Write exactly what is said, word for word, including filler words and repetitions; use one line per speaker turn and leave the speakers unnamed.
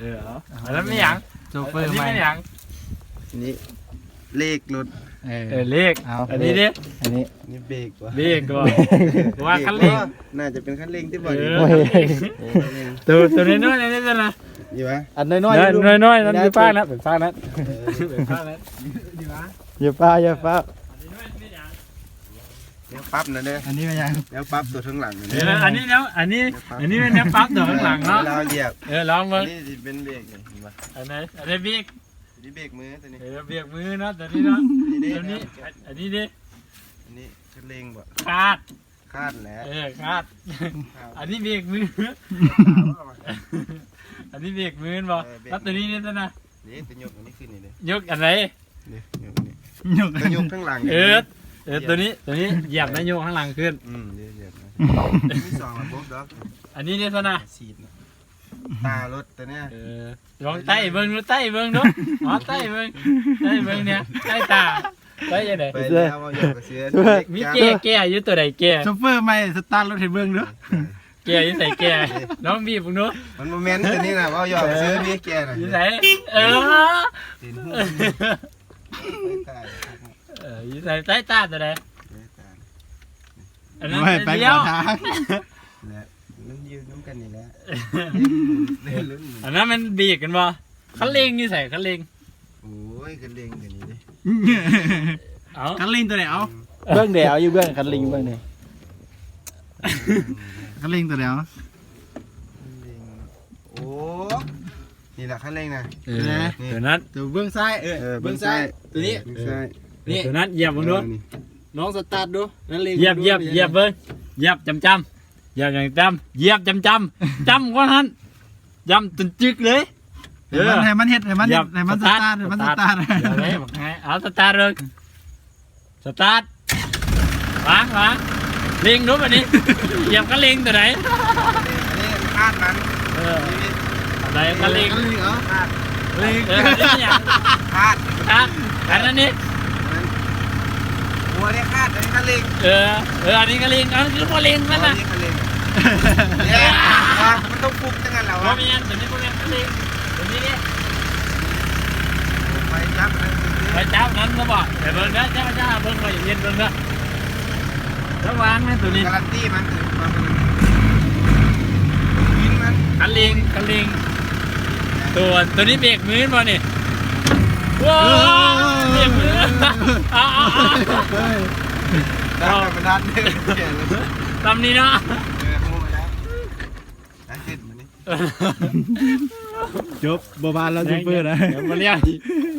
ออเอาอันนั้นไม่หยังโชเฟอร์ไม่หยัง
นี่เลขรถ
เออเลขอันนี้ดิ
อันนี้นี่เบรกวะ
เบรกก่อนว่าคันเร่ง
น่าจะเป็นคันเร่งที่บ่อย
ตัวตัวน้อยๆนี่จะนะ
อยู่วะ
อันน้อย
ๆน้อยๆนั่นเป็นป้านะเป็นป้านะเป็นป้านะดีวะ
อย่าป้าอย่าป้า
เดี๋ยวปั๊บนะเนี่ย
อันนี้ไม่ยัง
เดี๋ยวปั๊บตัวข้างหลัง
เอออันนี้แล้วอันนี้อันนี้เป็นเนี้ยปั๊บตัวข้างหลังเนาะ
เราเหยียบ
เออลองมา
นี่เป็นเบรกเลยเห็นปะ
อันไหนอันนี้เบรก
นี่เบรกมือตัวนี้
เออเบรกมือเนาะตัวนี้เนาะตัวนี้อันนี้ดิ
อันนี้คันเร่งบ่
คาด
คาดแหละ
เออคาดอันนี้เบรกมืออันนี้เบรกมือบ่แล้วตัวนี้นี่ตัวน่ะ
นี่ตัวยกอันนี้ขึ้นนี่เลย
ยกอันไหน
นี่ยกนี่ยกตัวยกข้างหลัง
เออเออตัวนี้ตัวนี้เหยียบนะโยกข้างหลังขึ้น
อืมเหยียบนะมีสองระบบดอก
อันนี้เนี่ยซะนะ
สีดตารถแต่เนี้ย
เออลองไต่เบิ้งดูไต่เบิ้งดูอ๋อไต่เบิ้งไต่เบิ้งเนี่ยไต่ตาไต่ยังไง
ไปแล้วมาอยู่กับเสือ
มีแก่แก่อยู่ตัวใดแก่
โชเฟอร์ไม่สตาร์ทรถให้เบิ้งดู
แก่อยู่ใส่แก่น้องบีบดู
มันโมเมนต์ตัวนี้นะว่าอยู่กับเสือมีแก่น่ะ
อยู่ใส่เออเอออยู่ใส่ไต่ตาตัวใดอันนั้น
ไป
เดียว
มันยืนน้ำกันนี่แหละ
อันนั้นมันบีบกันบ่คันเร่งนี่ใส่คันเร่ง
โอ้ยคันเร่งตัวนี้ดิ
เอา
คันลิงตัวไหนเอา
เบื้องเดียวอยู่เบื้องคันลิงเบื้องไหน
คันลิงตัวไหนเอา
โอ้นี่แหละคันเร่งนะ
เออตัวนั้น
ตัวเบื้องซ้ายเออเบื้องซ้ายตัวนี้
นี่ตัวนั้นเหยียบมึงดู
น้องสตาร์ทดูนั่นลิง
เหยียบเหยียบเหยียบเบิ้งเหยียบจำจำเหยียบอย่างจำเหยียบจำจำจำว่านั้นจำจนจึกเลย
เออให้มันเฮ็ดให้มันให้มันสตาร์ทให้มันสตาร์ท
เดี๋ยวเลยบอกไงเอาสตาร์ทเลยสตาร์ทวางวางเล็งดูแบบนี้เหยียบก็เล็งตัวไหน
นี่คาดมัน
เอออะไรก็เล็ง
เหรอคาด
เล็งเออนี่อย่าง
คาด
คาดอันนั้นนี่
หัวเนี่ยคาดอันนี้ก็เล็ง
เออเอออันนี้ก็เล็งอันนี้คือพอเล็งนั่นนะ
เนี่ยมันต้องฟุกจังงั้นเหรอ
วะไม่งั้นตัวนี้พวกนี้ก็เล็งตัวนี้เนี่ย
ไปจับ
ไปจับนั้นก็บอกแต่เบิ้งนะจ้าจ้าเบิ้งไปเย็นเบิ้งนะระวังนะตัวนี้
การันตีมันถือมันกินมัน
คันเล็งคันเล็งตัวตัวนี้เบรกมือมาเนี่ยว้าวเบรกมืออ้าวอ้าว
อ้าวเป็นด้านเดิน
ตำนี้เนาะ
จบบบานแล้วจูเปอร์นะ
เดี๋ยวมาเรียก